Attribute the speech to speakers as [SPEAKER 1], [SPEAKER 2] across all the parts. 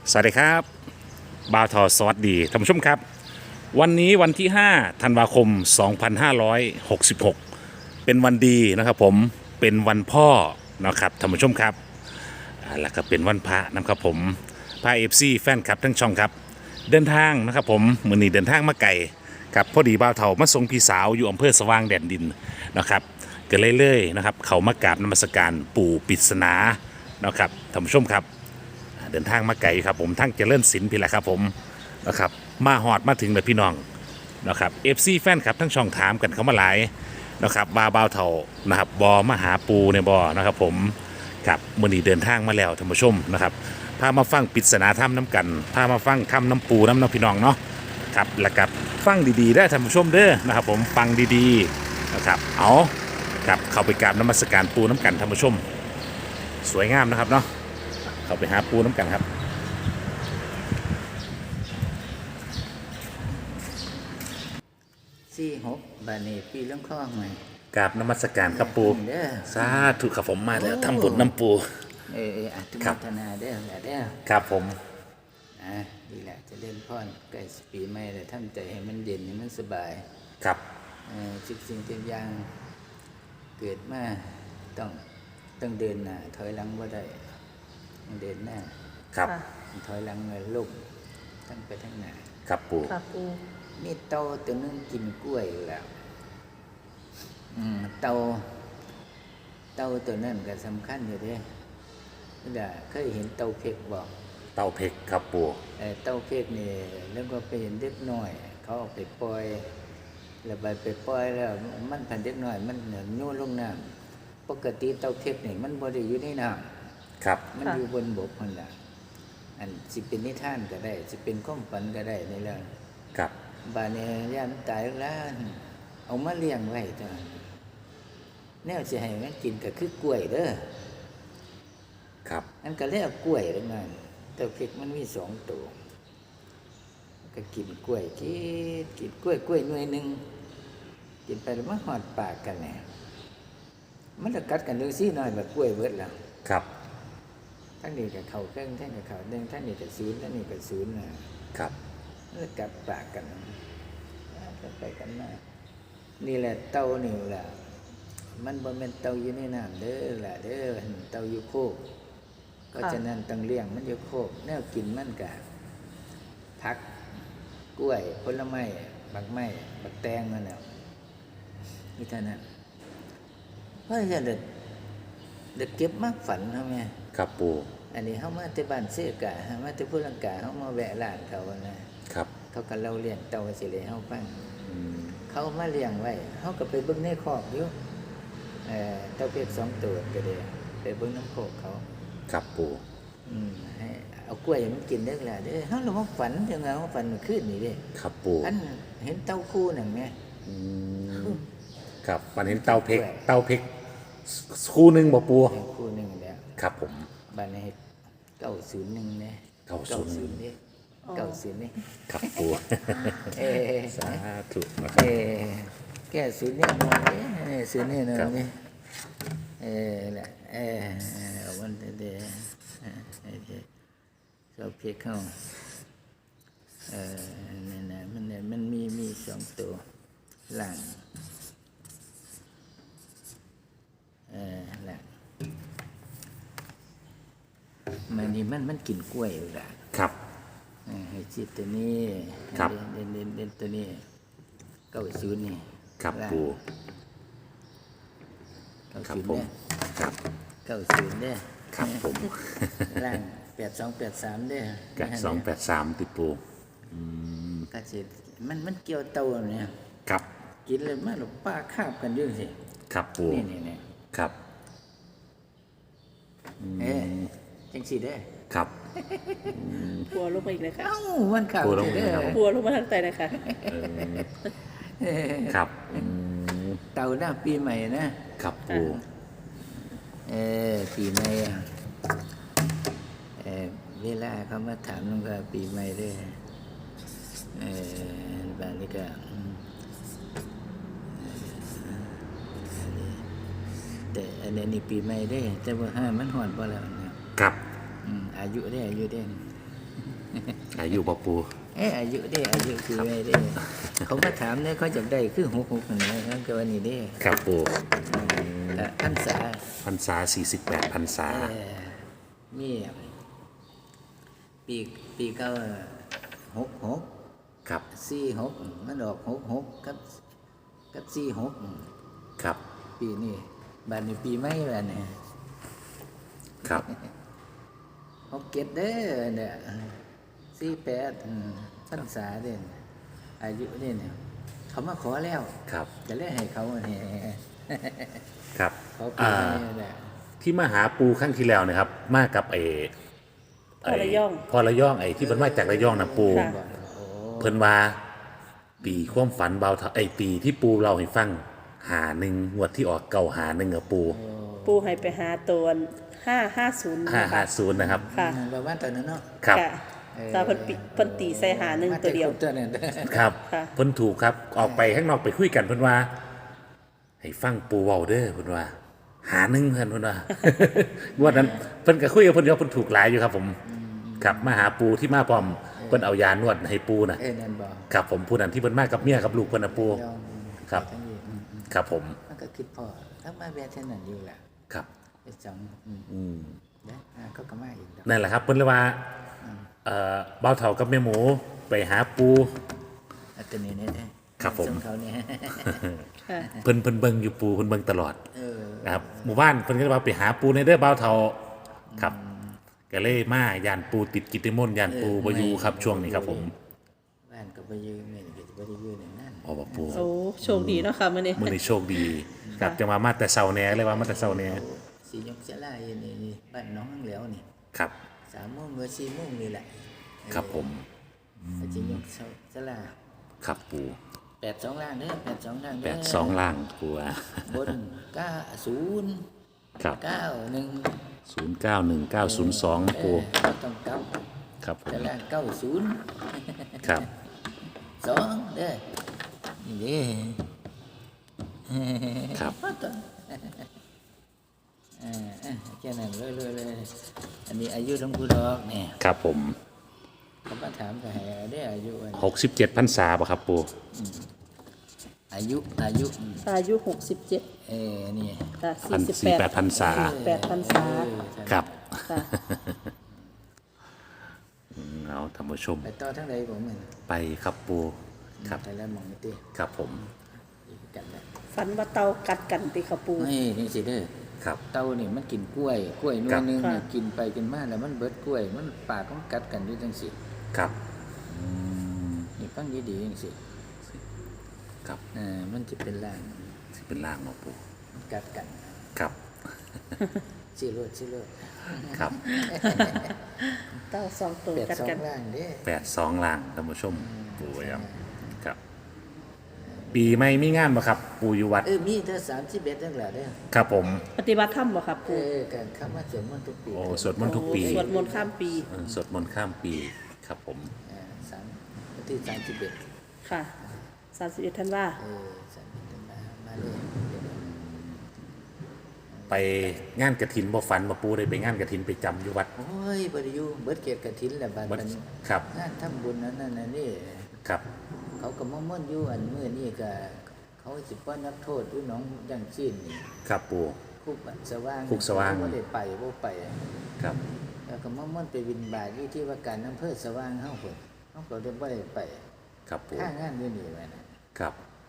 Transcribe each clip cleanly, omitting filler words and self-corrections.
[SPEAKER 1] สวัสดีครับบ่าวทอสวัสดีท่านผู้ชมครับวันนี้วันที่5ธันวาคม2566เป็นวันดีนะครับผมเป็นวันพ่อนะครับท่านผู้ชมครับแล้วก็เป็นวันพระนะครับผมพาเอฟซีแฟนคลับทั้งช่องครับเดินทางนะครับผมมื้อนี้เดินทางมาไกลครับพอดีบ่าวเฒ่ามาส่งพี่สาวอยู่อำเภอสว่างแดนดินนะครับก็เลยนะครับเขามากราบนมัสการปู่ปริศนานะครับท่านผู้ชมครับ เดินทางมาไกลครับผมทั้งเจริญศิลป์พี่แหละครับผมนะครับมาหอดมาถึงเลยพี่น้องนะครับเอฟซีแฟนครับทั้งช่องถามกันเขามาหลายนะครับบาบาวเท่านะครับบอมาหาปูในบอนะครับผมครับมื่อนี้เดินทางมาแล้วท่านผู้ชมนะครับพามาฟังปริศนาถ้ำน้ำกันพามาฟังถ้ำน้ำปูน้ำพี่น้องเนาะครับแล้วกับฟังดีๆได้ท่านผู้ชมเด้อนะครับผมฟังดีๆนะครับเอาครับเข้าไปกราบนมัสการปูน้ำกันท่านผู้ชมสวยงามนะครับเนาะเข้าไปหาปูน้ำกันครับ
[SPEAKER 2] 46บาทนี่ปีเรื่องข้องไหม
[SPEAKER 1] กราบนมัสการครับปู
[SPEAKER 2] เด้อ
[SPEAKER 1] สาธุครับผมมาแล้วทำบุญน้ำปู
[SPEAKER 2] อนุโมทนาเด้อแหละเด้อ
[SPEAKER 1] ครับผม
[SPEAKER 2] ดีแหละจะเล่นพ่อนใกล้ปีใหม่เลยทำใจให้มันเย็นให้มันสบาย
[SPEAKER 1] ครับ
[SPEAKER 2] ทุกสิ่งทุกอย่างเกิดมาต้องเดินหน้าถอยหลังว่าได้เดินหน้า
[SPEAKER 1] ครับ
[SPEAKER 2] ถอยหลังเลยลุกตั้งไปทั้งหน้า
[SPEAKER 1] ครับปู
[SPEAKER 3] ครับปู
[SPEAKER 2] นี่เต่าตัวนึงกินกล้วยแล้วเต่าตัวนั้นก็สำคัญอยู่เด้เคยเห็นเต่าเพกบอก
[SPEAKER 1] เต้าเพกครับปู
[SPEAKER 2] เต่าเพกนี่แล้วก็ไปเห็นเด็กน้อยเขาเอาไปปล่อยแล้วไปปล่อยแล้วมันพันเด็กน้อยมันโยนลงน้ำปกติเต่าเพกนี่มันบ่ได้อยู่ในน้
[SPEAKER 1] ำครับ
[SPEAKER 2] มันอยู่บนบกนั่นแหละอันสิเป็นนิทานก็ได้สิเป็นความฝันก็ได้ในเรื่อง
[SPEAKER 1] ครับ
[SPEAKER 2] บ้านนี้ย่ามตายแล้วเอามาเลี้ยงไว้จ้ะแนวสิให้มันกินก็คือกล้วยเด้อ
[SPEAKER 1] ครับ
[SPEAKER 2] อันก็เลยเอากล้วยแล้วนั่นแต่เพกมันมี2ตัวก็กินกล้วยกินกล้วยหน่วยนึงกินไปแล้วมันหอดปากกันแหละมันจะกัดกันดูซี่หน่อยแบบกล้วยเบิดแล้ว
[SPEAKER 1] ครับ
[SPEAKER 2] ทั้งนี้กับเขาเครื่องทั้งกับเขาเด้งทั้งนี้กับศูนย์ทั้งนี้กับศูนย์นะครับมันจะกัดปากกันไปกันมานี่แหละเต่านี่แหละมันบ่แม่นเต่าอยู่ในน้ำเด้อล่ะเด้อเต่าอยู่โคกก็ฉะนั้นต้องเลี้ยงมันอยู่โคกแนวกินมันก็ผักกล้วยผลไม้บักไม้บักแตงนั่นแหละนี่เท่านั้นเพราะฉะนั้นเด็กเก็บมากฝันเฮาแม่
[SPEAKER 1] ครับปู
[SPEAKER 2] อันนี้เฮามาแต่บ้านเสกะเฮามาแต่พุลังกาเฮามาแวะร้านเขานะครับเขาก็เล่าเลี้ยงเต่าสิเลยเฮาฟังเขามาเลี้ยงไว้เฮาก็ไปเบิ่งในคอกอยู่เต่าเพชร2ตัวก็ได้ไปเบิ่งน้ำโคกเขา
[SPEAKER 1] ครับปู
[SPEAKER 2] ให้เอากล้วยมันกินได้ล่ะเด้อเฮาลงมาฝันจังไงว่าฝันเมื่อคืนนี่เด้
[SPEAKER 1] ครับปู
[SPEAKER 2] อันเห็นเต่าคู่นั่นแม่
[SPEAKER 1] ครับฝันเห็นเต่าเพกคู่หนึ่งบ่ปู
[SPEAKER 2] คู่หนึ่งแล้ว
[SPEAKER 1] ครับผม
[SPEAKER 2] บ้านนี้901เนี่ย901เนี่ย90นี่
[SPEAKER 1] ครับปูสาธุ
[SPEAKER 2] นะครับแก้ศูนย์เนี่ยมองเนี่ยศูนย์เนี่ยนะนี่แหละวันเดียวเราเพียเข้านี่นะมันมี2ตัวหลังหลังมันกินกล้วยอยู่ละ
[SPEAKER 1] ครับ
[SPEAKER 2] ให้จิตตัวนี้
[SPEAKER 1] ครับ
[SPEAKER 2] เด่นตัวนี้90นี่
[SPEAKER 1] ครับปูครับผมครับ
[SPEAKER 2] 90เด้อ
[SPEAKER 1] ครับผม
[SPEAKER 2] ล่าง8283เด้อ
[SPEAKER 1] 8283ติดปู
[SPEAKER 2] ก็สิมันเกี่ยวเต่าเนี่ย
[SPEAKER 1] ครับ
[SPEAKER 2] กินเลยมาหลบป้าคาบกันอยู่สิ
[SPEAKER 1] ครับปู
[SPEAKER 2] นี่
[SPEAKER 1] ครับ
[SPEAKER 2] จังสิเด้อ
[SPEAKER 1] ครับ
[SPEAKER 3] ปัวลงมาอีกเลยค่ะ
[SPEAKER 2] มันข่าวเด้อ
[SPEAKER 3] ปัวลงมาทางใต้เลยค่ะ
[SPEAKER 1] ครับ
[SPEAKER 2] เต่าหน้าปีใหม่นะครับ
[SPEAKER 1] ปู
[SPEAKER 2] ปีใหม่เวลาเขามาถามน้องก็ปีใหม่ด้วยบางทีก็แต่อันนี้ปีใหม่ได้แต่ว่ามันหอดบ่แล้วนะครับอายุได้
[SPEAKER 1] อายุบ่ปู
[SPEAKER 2] อายุได้อายุคือไงได้เขามาถามเนี่ยเขาจะได้คือ66นั่นแหละนั่นก็ว่านี่เด้
[SPEAKER 1] ครับปู
[SPEAKER 2] พรรษา
[SPEAKER 1] พรรษา48พรรษา
[SPEAKER 2] มีปีเก้า66
[SPEAKER 1] ครับ
[SPEAKER 2] 46มันออก66กับ46
[SPEAKER 1] ครับ
[SPEAKER 2] ปีนี้บัดนี้ปีใหม่บัดนี้
[SPEAKER 1] ครับ
[SPEAKER 2] 67เด้อเนี่ย48พรรษาเด้ออายุนี่เนี่ยเขามาขอแล้ว
[SPEAKER 1] ครับ
[SPEAKER 2] จะเล่นให้เขาเนี่ย
[SPEAKER 1] ครับ
[SPEAKER 2] เขาปีนี้แหละ
[SPEAKER 1] ที่มาหาปูครั้งที่แล้วนะครับ มากับ
[SPEAKER 3] พ่อระยอง
[SPEAKER 1] พ่อระยองที่เพิ่นมาจากระยองนะปู
[SPEAKER 3] ค่ะ
[SPEAKER 1] เพิ่นว่าปีความฝันเบาเท่าปีที่ปูเราให้ฟังหาหนึ่งงวดที่ออกเก่าหาหนึ่งปู
[SPEAKER 3] ปูให้ไปหาตัว550นะคะ
[SPEAKER 1] 550นะครับ
[SPEAKER 3] ค่ะ
[SPEAKER 2] ประมาณตอนนั้นเนาะ
[SPEAKER 1] ครับ
[SPEAKER 3] ค่ะตาเพิ่นตีใส่หาหนึ่งตัวเดียว
[SPEAKER 2] ตัวนั้น
[SPEAKER 1] ครับ
[SPEAKER 3] ค่ะ
[SPEAKER 1] เพิ่นถูกครับออกไปข้างนอกไปคุยกันเพิ่นว่า ให้ฟังปูเว้าเด้อเพิ่นว่า หาหนึ่งเพิ่นว่า งวดนั้นเพิ่นก็คุยกับเพิ่นเดียวเพิ่นถูกหลายอยู่ครับผมครับมาหาปูที่มาพร้อมเพิ่นเอายานวดให้ปูน่ะ
[SPEAKER 2] นั่นบอก
[SPEAKER 1] ครับผมผู้นั้นที่เพิ่นมากับเมียกับลูกเพิ่นน่ะปู
[SPEAKER 2] ยอม
[SPEAKER 1] ครับ
[SPEAKER 2] ทั้งนี้
[SPEAKER 1] ครับผม
[SPEAKER 2] มันก็คิดพอถ้ามาแบบเท่านั้นอยู่แหละ
[SPEAKER 1] ครับ
[SPEAKER 2] ไปสองนะเขาก็มาอีกดอก
[SPEAKER 1] นั่นแหละครับเพิ่นเลยว่าเบาเฒ่ากับแม่หมูไปหาปู
[SPEAKER 2] อัตนี้เนี่ย
[SPEAKER 1] ครับผม
[SPEAKER 2] ส่งเขาเนี่ย
[SPEAKER 3] ค่ะ
[SPEAKER 1] เพิ่นเบิ่งอยู่ปูเพิ่นเบิ่งตลอด
[SPEAKER 2] เออ
[SPEAKER 1] นะครับหมู่บ้านเพิ่นก็เลยว่าไปหาปูในเด้อเบาเฒ่าครับก็เลยมายานปูติดกิจนิมนต์ยานปูบ่อยู่ครับช่วงนี้ครับผม
[SPEAKER 2] บ้านก็ไปยืมเนี่ยก็จะไปยืมอย่างนั้น
[SPEAKER 1] อ๋อบ่ปู
[SPEAKER 3] โอ้โชคดีเนาะค่ะมื้อนี้
[SPEAKER 1] มื้อนี้โชคดีครับจะมาแต่เช้าแหน่เลยว่ามาแต่เช้าแหน่
[SPEAKER 2] สียกเสลายนี่บ้านน้องเหลียวนี่
[SPEAKER 1] ครับ
[SPEAKER 2] 3 โมงหรือ4 โมงนี่แหละ
[SPEAKER 1] ครับผม
[SPEAKER 2] สียกเสลา
[SPEAKER 1] ครับปู
[SPEAKER 2] 82ล่างเด้อ82ล่างเด้อ
[SPEAKER 1] 82ล่างปูอ่ะ
[SPEAKER 2] บน90
[SPEAKER 1] ครับ
[SPEAKER 2] 91
[SPEAKER 1] 091902ปู
[SPEAKER 2] ต้องกลับ
[SPEAKER 1] ครับผม
[SPEAKER 2] แต่ละ90
[SPEAKER 1] ครับ
[SPEAKER 2] 2เด้อนี่เด้
[SPEAKER 1] ครับ
[SPEAKER 2] แค่นั้นเลยอันนี้อายุหลวงปู่ดอกเนี่ย
[SPEAKER 1] ครับผม
[SPEAKER 2] เขามาถามก็ให้ได้อายุอัน
[SPEAKER 1] 67พรรษาบ่ครับปู
[SPEAKER 2] อายุ
[SPEAKER 3] อายุ67
[SPEAKER 2] นี่
[SPEAKER 3] ค่ะ
[SPEAKER 1] 48พรรษา
[SPEAKER 3] 48พรรษา
[SPEAKER 1] ครับ
[SPEAKER 3] ค่ะ
[SPEAKER 1] เอาท่านผู้ชม
[SPEAKER 2] ไปต่อทั้งใดผมเหมือน
[SPEAKER 1] ไปครับปูครับ
[SPEAKER 2] ไปแล้วมองไม่ตี
[SPEAKER 1] ครับผม
[SPEAKER 2] กันแล้ว
[SPEAKER 3] ฝันว่าเตากัดกันติค่ะปู
[SPEAKER 2] นี่สิเด้อ
[SPEAKER 1] ครับ
[SPEAKER 2] เต่านี่มันกินกล้วยหนวลนึง
[SPEAKER 3] ครับ
[SPEAKER 2] เนี่ยกินไปกินมาแล้วมันเบิดกล้วย มันปากมันกัดกันอยู่จังสิ
[SPEAKER 1] ครับ
[SPEAKER 2] นี่ฟังดีๆจังสิ
[SPEAKER 1] ครับ
[SPEAKER 2] มันจะเป็นล่าง
[SPEAKER 1] สิเป็นล่างเนาะปู
[SPEAKER 2] มันกัดกัน
[SPEAKER 1] ครับ
[SPEAKER 2] ชื่อเลือด
[SPEAKER 1] ครับ
[SPEAKER 3] เตาสองตัว
[SPEAKER 2] เป็ด
[SPEAKER 3] กัด
[SPEAKER 2] สอ
[SPEAKER 3] กั
[SPEAKER 2] ง
[SPEAKER 3] น
[SPEAKER 2] ล่างเด้
[SPEAKER 1] 82ล่างท่านผู้ชมปูครับครับ ปีใหม่มีงานบ่ครับ ปูอยู่วัด
[SPEAKER 2] มีเท่า31ทั้งหลายเด้อ
[SPEAKER 1] ครับผม
[SPEAKER 3] ปฏิบัติธรรมบ่ค่ะปู
[SPEAKER 2] การคำว่าสวดมนต์ทุกปี
[SPEAKER 1] โอ้สวดมนต์ทุกปี
[SPEAKER 3] โอ้สวดมนต์ข้ามปี
[SPEAKER 1] สวดมนต์ข้ามปีครับผม
[SPEAKER 2] วันที่31
[SPEAKER 3] ค่ะ31ธันวา
[SPEAKER 2] 31มาเลย
[SPEAKER 1] ไปงานกฐินบ่ฝันบ่ปูได้ไปงานกฐินไปจำอยู่วัด
[SPEAKER 2] โอ้ยบริยูเบิดเกียรติกฐินแหละบาด
[SPEAKER 1] วัด
[SPEAKER 2] มัน
[SPEAKER 1] ครับ
[SPEAKER 2] งานทำบุญนั่นนี่
[SPEAKER 1] ครับ
[SPEAKER 2] เขาก็มาม่อนอยู่อันมื้อนี้ก็เขาสิป้อนนักโทษอยู่หนองจังซี่นี่
[SPEAKER 1] ครับปู
[SPEAKER 2] คุกสว่าง
[SPEAKER 1] คุกสว่าง
[SPEAKER 2] บ่ได้ไปบ่ไป
[SPEAKER 1] ครับ
[SPEAKER 2] แล้วก็มาม่อนไปบิณฑบาตอยู่ที่ว่าการอำเภอสว่างเฮาพุ่นเฮาก็ได้บ่ได้ไป
[SPEAKER 1] ครับปู
[SPEAKER 2] ค่างานอยู่นี่ไว้นะครับ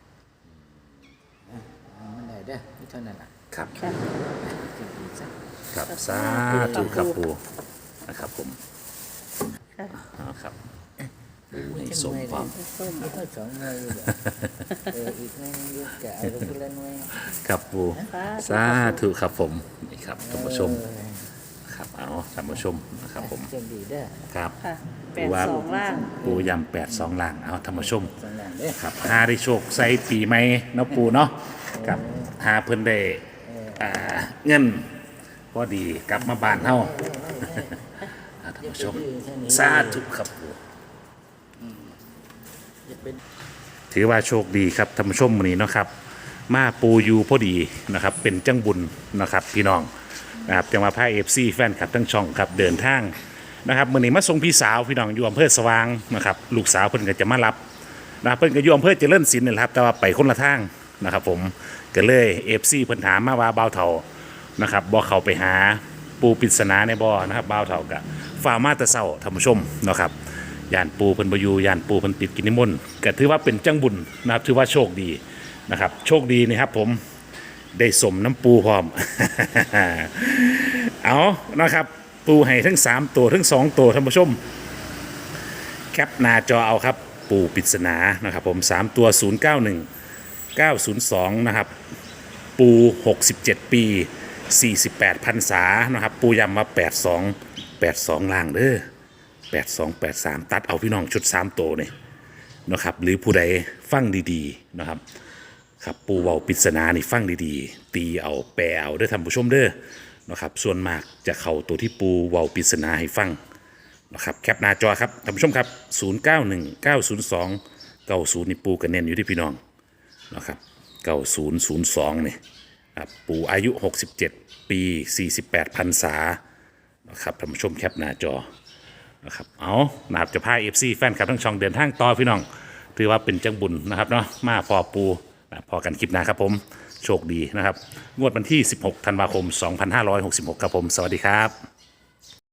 [SPEAKER 2] มันได้เด้อมีเท่านั้นล่ะ
[SPEAKER 1] ครับ
[SPEAKER 3] ค่ะ
[SPEAKER 2] จริงๆซะ
[SPEAKER 1] ครับสาธุครับปูนะครับผม
[SPEAKER 3] ค่ะ
[SPEAKER 1] เอาครับปูให้สมความ
[SPEAKER 3] ส้ม
[SPEAKER 2] เอาสองหน่วยอยู่เด้ออีกหน่วยหนึงอยู่ก็เอาคนละหน่วย
[SPEAKER 1] ครับปู
[SPEAKER 3] ค่ะ
[SPEAKER 1] สาธุครับผมนี่ครับท่านผู้ชมครับเอาท่านผู้ชมนะครับผม
[SPEAKER 2] เจังดีเด้อ
[SPEAKER 1] ครับ
[SPEAKER 3] ค่ะ
[SPEAKER 1] ปูว่า
[SPEAKER 3] 82ล่าง
[SPEAKER 1] ปูยำ82ล่างเอาท่านผู้ชม
[SPEAKER 2] สองอย่างเด้อ
[SPEAKER 1] ครับหาได้โชคใส่ปีใหม่เนาะปูเนาะครับหาเพิ่นได้เงินพอดีกลับมาบ้านเฮาท่านผู้ชมสาธุครับปู
[SPEAKER 2] จะเป็น
[SPEAKER 1] ถือว่าโชคดีครับท่านผู้ชมมื้อนี้เนาะครับ มาปูอยู่พอดีนะครับ เป็นจังบุญนะครับพี่น้องนะครับจังมาพา FC แฟนคลับทั้งช่องครับเดินทางนะครับมื้อนี้มาส่งพี่สาวพี่น้องอยู่อำเภอสว่างนะครับลูกสาวเพิ่นก็จะมารับนะเพิ่นก็อยู่อำเภอเจริญศิลป์นี่แหละครับแต่ว่าไปคนละทางนะครับผมก็เลย FC เพิ่นถามมาว่าบ่าวเฒ่านะครับบ่เข้าไปหาปูปริศนาในบ่อนะครับบ่าวเฒ่าก็ฝ่ามาแต่เช้าท่านผู้ชมนะครับย่านปูเพิ่นบ่อยู่ย่านปูเพิ่นติดกินนิมนต์ก็ถือว่าเป็นจังบุญนะครับถือว่าโชคดีนะครับโชคดีนะครับผมได้สมน้ำปูพร้อม เอานะครับปูให้ทั้ง3ตัวทั้ง2ตัวท่านผู้ชมแคปหน้าจอเอาครับปูปริศนานะครับผม3ตัว091 902นะครับปู67 ปี48พรรษานะครับปูย้ำว่า82ล่างเด้อ8283ตัดเอาพี่น้องชุด3ตัวนี่นะครับหรือผู้ใดฟังดีๆนะครับครับปูเว้าปริศนานี่ฟังดีๆตีเอาแปลเอาเด้อท่านผู้ชมเด้อนะครับส่วนมากจะเข้าตัวที่ปูเว้าปริศนาให้ฟังนะครับแคปหน้าจอครับท่านผู้ชมครับ091 902 90นี่ปูกันเน้นอยู่ที่พี่น้องนะครับ9002นี่ครับปูอายุ 67 ปี 48พรรษานะครับท่านผู้ชมแคปหน้าจอนะครับเอานะครับจะพา FC แฟนคลับทั้งช่องเดินทางต่อพี่น้องถือว่าเป็นจังบุญนะครับเนาะมาพอปูนะพอกันคลิปหน้าครับผมโชคดีนะครับงวดวันที่ 16 ธันวาคม 2566 ครับผมสวัสดีครับ